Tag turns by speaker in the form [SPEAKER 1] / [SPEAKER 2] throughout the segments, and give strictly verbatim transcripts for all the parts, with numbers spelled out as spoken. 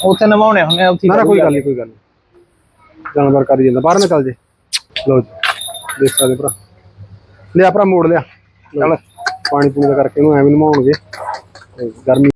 [SPEAKER 1] ਉੱਥੇ ਨਵਾਉਣੇ ਹੁੰਦੇ ਉੱਥੇ
[SPEAKER 2] ਨਾ ਨਾ ਕੋਈ ਗੱਲ ਨਹੀਂ ਕੋਈ ਗੱਲ ਨਹੀਂ ਜਾਨਵਰ ਕਰੀ ਜਾਂਦਾ ਬਾਹਰ ਨਾ ਚੱਲ ਜੇ। ਲਓ ਜੀ ਦੇਖ ਸਕਦੇ ਭਰਾ ਲਿਆ ਭਰਾ ਮੋੜ ਲਿਆ ਚੱਲ ਪਾਣੀ ਪੂਣੀ ਦਾ ਕਰਕੇ ਇਹਨੂੰ ਐਵੇਂ ਨਵਾਉਣਗੇ ਗਰਮੀ।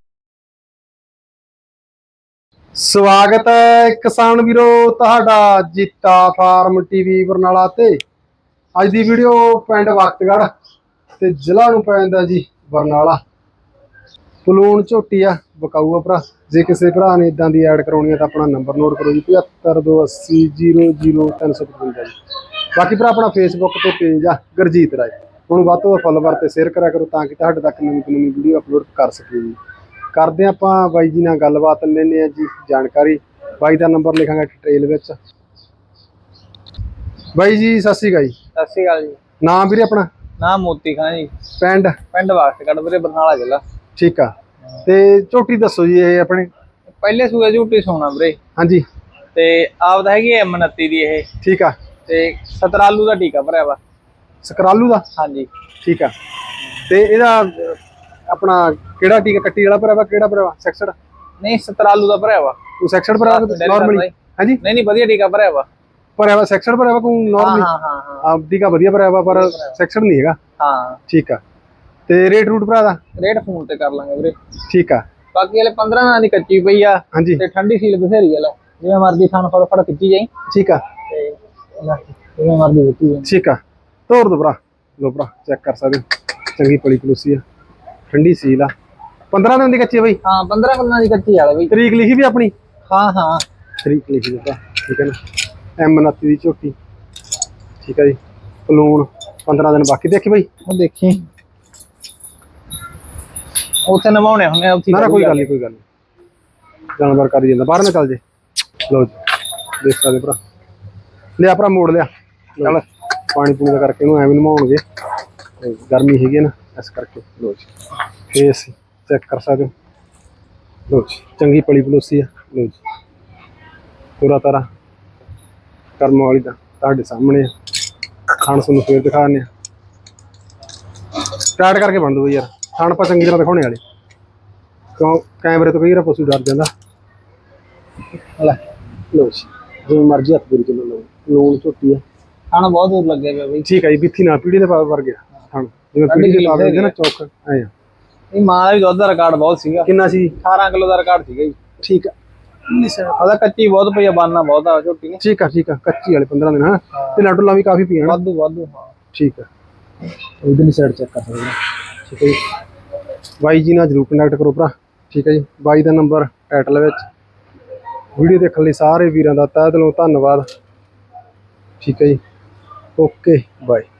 [SPEAKER 2] ਸਵਾਗਤ ਹੈ ਕਿਸਾਨ ਵੀਰੋ ਤੁਹਾਡਾ ਜੀਤਾ ਫਾਰਮ ਟੀਵੀ ਬਰਨਾਲਾ ਤੇ। ਅੱਜ ਦੀ ਵੀਡੀਓ ਪਿੰਡ ਵਕਤਗੜ੍ਹ ਤੇ ਜ਼ਿਲ੍ਹਾ ਨੂੰ ਪੈਂਦਾ ਜੀ ਬਰਨਾਲਾ। ਪਲੂਣ ਝੋਟੀ ਆ ਵਿਕਾਊ ਆ ਭਰਾ। ਜੇ ਕਿਸੇ ਭਰਾ ਨੇ ਇਦਾਂ ਦੀ ਐਡ ਕਰਾਉਣੀ ਹੈ ਤਾਂ ਆਪਣਾ ਨੰਬਰ ਨੋਟ ਕਰੋ ਜੀ ਪਝੱਤਰ ਦੋ ਅੱਸੀ ਜੀਰੋ ਜੀਰੋ ਤਿੰਨ ਸੌ ਪਚਵੰਜਾ ਜੀ। ਬਾਕੀ ਭਰਾ ਆਪਣਾ ਫੇਸਬੁੱਕ ਤੇ ਪੇਜ ਆ ਗੁਰਜੀਤ ਰਾਏ, ਹੁਣ ਵੱਧ ਤੋਂ ਵੱਧ ਫੋਲੋਵਰ ਤੇ ਸ਼ੇਅਰ ਕਰਿਆ ਕਰੋ ਤਾਂ ਕਿ ਤੁਹਾਡੇ ਤੱਕ ਨਵੀਂ ਤੋਂ ਨਵੀਂ ਵੀਡੀਓ ਅਪਲੋਡ ਕਰ ਸਕੀਏ ਜੀ। ਕਰਦੇ ਆਪਾਂ ਬਾਈ ਜੀ ਨਾਲ ਗੱਲਬਾਤ ਲੈਂਦੇ ਆ ਜੀ ਜਾਣਕਾਰੀ। ਬਾਈ ਦਾ ਨੰਬਰ ਲਿਖਾਂਗੇ ਡਿਟੇਲ ਵਿੱਚ। ਬਾਈ ਜੀ ਸਤਿ ਸ਼੍ਰੀ ਅਕਾਲ ਜੀ।
[SPEAKER 1] ਸਤਿ ਸ਼੍ਰੀ ਅਕਾਲ ਜੀ।
[SPEAKER 2] ਨਾਮ ਵੀਰੇ ਆਪਣਾ?
[SPEAKER 1] ਨਾਮ ਮੋਤੀ ਖਾਂ ਜੀ।
[SPEAKER 2] ਪਿੰਡ?
[SPEAKER 1] ਪਿੰਡ ਵਕਤਗੜ੍ਹ ਵੀਰੇ ਬਰਨਾਲਾ ਜ਼ਿਲ੍ਹਾ।
[SPEAKER 2] ਠੀਕ ਆ ਤੇ ਝੋਟੀ ਦੱਸੋ ਜੀ ਇਹ ਆਪਣੇ?
[SPEAKER 1] ਪਹਿਲੇ ਸੂਏ ਝੋਟੀ ਸੋਣਾ ਵੀਰੇ। ਹਾਂਜੀ ਤੇ ਆਪਦਾ ਹੈਗੀ ਐਮ ਉਨੱਤੀ ਦੀ ਇਹ। ਠੀਕ ਆ ਤੇ ਸਤਰਾਲੂ ਦਾ ਟੀਕਾ ਭਰਿਆ ਵਾ।
[SPEAKER 2] ਸਕਰਾਲੂ ਦਾ? ਹਾਂਜੀ ਠੀਕ ਆ। ਤੇ ਇਹਦਾ ਆਪਣਾ ਕਿਹੜਾ ਟੀਕਾ ਕੱਟੀ ਵਾਲਾ ਭਰਿਆ ਵਾ ਕਿਹੜਾ ਭਰਿਆ ਵਾ? ਸੈਕਸਡ? ਨਹੀਂ ਸਤਰਾਲੂ ਦਾ ਭਰਿਆ ਵਾ। ਉਹ ਸੈਕਸਡ ਭਰਿਆ ਵਾ ਨਾਰਮਲੀ? ਹਾਂਜੀ ਨਹੀਂ ਨਹੀਂ ਵਧੀਆ ਟੀਕਾ ਭਰਿਆ ਵਾ। ਭਰਿਆ ਵਾ ਸੈਕਸਡ ਭਰਿਆ ਵਾ ਕੋਈ ਨਾਰਮਲੀ? ਹਾਂ ਹਾਂ ਹਾਂ ਆਪ ਟੀਕਾ ਵਧੀਆ ਭਰਿਆ ਵਾ ਪਰ ਸੈਕਸਡ ਨਹੀਂ ਹੈਗਾ। ਹਾਂ ਠੀਕ ਆ। ਤੇ ਰੇਟ ਰੂਟ ਭਰਾ ਦਾ? ਰੇਟ ਫੋਨ ਤੇ ਕਰ ਲਾਂਗੇ ਵੀਰੇ। ਠੀਕ ਆ। ਬਾਕੀ ਹਲੇ ਪੰਦਰਾਂ ਦਿਨਾਂ ਦੀ ਕੱਚੀ ਪਈ ਆ। ਹਾਂਜੀ ਤੇ ਠੰਡੀ ਸੀਲ ਬਥੇਰੀ ਆ। ਲੈ ਜਿਵੇਂ ਮਰਜ਼ੀ ਥਣ ਫੜ ਫੜ ਖਿੱਚੀ ਜਾਈ। ਠੀਕ ਆ ਤੇ ਜਿਵੇਂ ਮਰਜ਼ੀ ਖਿੱਚੀ ਜਾਈ। ਠੀਕ ਆ ਤੋਰ ਦੋ ਭਰਾ। ਲੋ ਭਰਾ ਚੈੱਕ ਕਰ ਸਕਦੇ ਚੰਗੀ ਪਲੀ ਪਲੂਸੀ ਆ ਠੰਡੀ ਸੀਲ ਆ। ਪੰਦਰਾਂ ਦਿਨ ਦੀ ਕੱਚੀ ਆ ਬਈ? ਹਾਂ ਪੰਦਰਾਂ ਦਿਨਾਂ ਦੀ ਕੱਚੀ ਆ ਬਈ। ਤਰੀਕ ਲਿਖੀ ਵੀ ਆਪਣੀ? ਹਾਂ ਹਾਂ ਤਰੀਕ ਲਿਖੀ ਵੀ ਭਰਾ ਠੀਕ ਹੈ ਨਾ। ਐਮ ਉਨੱਤੀ ਦੀ ਝੋਟੀ ਠੀਕ ਆ ਜੀ। ਪਲੂਣ ਪੰਦਰਾਂ ਦਿਨ ਬਾਕੀ। ਦੇਖੀ ਬਈ ਉਹ ਦੇਖੀ ਉੱਥੇ ਨਵਾਉਣੇ ਹੁੰਦੇ ਉੱਥੇ। ਨਾ ਨਾ ਕੋਈ ਗੱਲ ਨਹੀਂ ਕੋਈ ਗੱਲ ਨਹੀਂ ਜਾਨਵਰ ਕਰੀ ਜਾਂਦਾ ਬਾਹਰ ਨਾ ਚੱਲ ਜੇ। ਲਓ ਜੀ ਦੇਖ ਸਕਦੇ ਭਰਾ ਲਿਆ ਭਰਾ ਮੋੜ ਲਿਆ ਚੱਲ ਪਾਣੀ ਪੂਣੀ ਦਾ ਕਰਕੇ ਇਹਨੂੰ ਐਵੇਂ ਨਵਾਉਣਗੇ ਗਰਮੀ ਹੈਗੀ ਨਾ ਇਸ ਕਰਕੇ। ਲਓ ਜੀ ਫੇਸ ਚੈੱਕ ਕਰ ਸਕਦੇ ਹੋ। ਲਓ ਜੀ ਚੰਗੀ ਪਲੀ ਪਲੋਸੀ ਆ। ਲਓ ਜੀ ਪੂਰਾ ਤਾਰਾ ਕਰਮ ਵਾਲੀ ਦਾ ਤੁਹਾਡੇ ਸਾਹਮਣੇ ਆ। ਖਾਣ ਤੁਹਾਨੂੰ ਫੇਰ ਦਿਖਾ ਦਿੰਦੇ ਆ। ਸਟਾਰਟ ਕਰਕੇ ਬਣ ਦੋ ਯਾਰ ਖਾਣ ਆਪਾਂ ਚੰਗੀ ਤਰ੍ਹਾਂ ਦਿਖਾਉਣੇ ਵਾਲੇ ਕਿਉਂ ਕੈਮਰੇ ਤੋਂ ਕਈ ਵਾਰ ਪਸ਼ੂ ਡਰ ਜਾਂਦਾ। ਲੈ ਲਓ ਜੀ ਜਿਵੇਂ ਮਰਜ਼ੀ ਹੱਥ ਪੂਰੀ ਚੱਲੋ। ਲਓ ਲੂਣ ਝੋਟੀ ਆ। ਖਾਣਾ ਬਹੁਤ ਦੂਰ ਲੱਗਿਆ ਪਿਆ ਬਈ। ਠੀਕ ਆ ਜੀ ਬਿੱਥੀ ਨਾ ਪੀੜੀ ਦੇ ਵਰ ਗਿਆ ਖਾਣ ਜਿਵੇਂ ਪੀੜੀ ਦੇ ਪਾ ਦਿੰਦੇ ਨਾ ਚੌਕ ਐ। ਇਹ ਮਾਂ ਦਾ ਵੀ ਦੁੱਧ ਦਾ ਰਿਕਾਰਡ ਬਹੁਤ ਸੀਗਾ। ਕਿੰਨਾ ਸੀ? ਅਠਾਰਾਂ ਕਿਲੋ ਦਾ ਰਿਕਾਰਡ ਸੀਗਾ ਜੀ। ਠੀਕ ਆ ਉਹਦਾ ਕੱਚੀ ਬਹੁਤ ਪਈ ਆ ਬਾਨਾ ਬਹੁਤ ਆ ਝੋਟੀ ਨੇ। ਠੀਕ ਆ ਠੀਕ ਆ ਕੱਚੀ ਵਾਲੇ ਪੰਦਰਾਂ ਦਿਨ ਹਾਂ ਤੇ ਲਾਟੂਲਾ ਵੀ ਕਾਫੀ ਪੀਣ ਵਾਧੂ ਵਾਧੂ। ਹਾਂ ਠੀਕ ਆ ਇਧਰਲੀ ਸਾਈਡ ਚੈੱਕ ਕਰ ਸਕਦੇ ਠੀਕ ਹੈ ਜੀ। ਬਾਈ ਜੀ ਨਾਲ ਜ਼ਰੂਰ ਕੰਟੈਕਟ ਕਰੋ ਭਰਾ ਠੀਕ ਹੈ ਜੀ। ਬਾਈ ਦਾ ਨੰਬਰ ਟਾਈਟਲ ਵਿੱਚ। ਵੀਡੀਓ ਦੇਖਣ ਲਈ ਸਾਰੇ ਵੀਰਾਂ ਦਾ ਤਹਿ ਦਿਲੋਂ ਧੰਨਵਾਦ ਠੀਕ ਹੈ ਜੀ। Okay bye.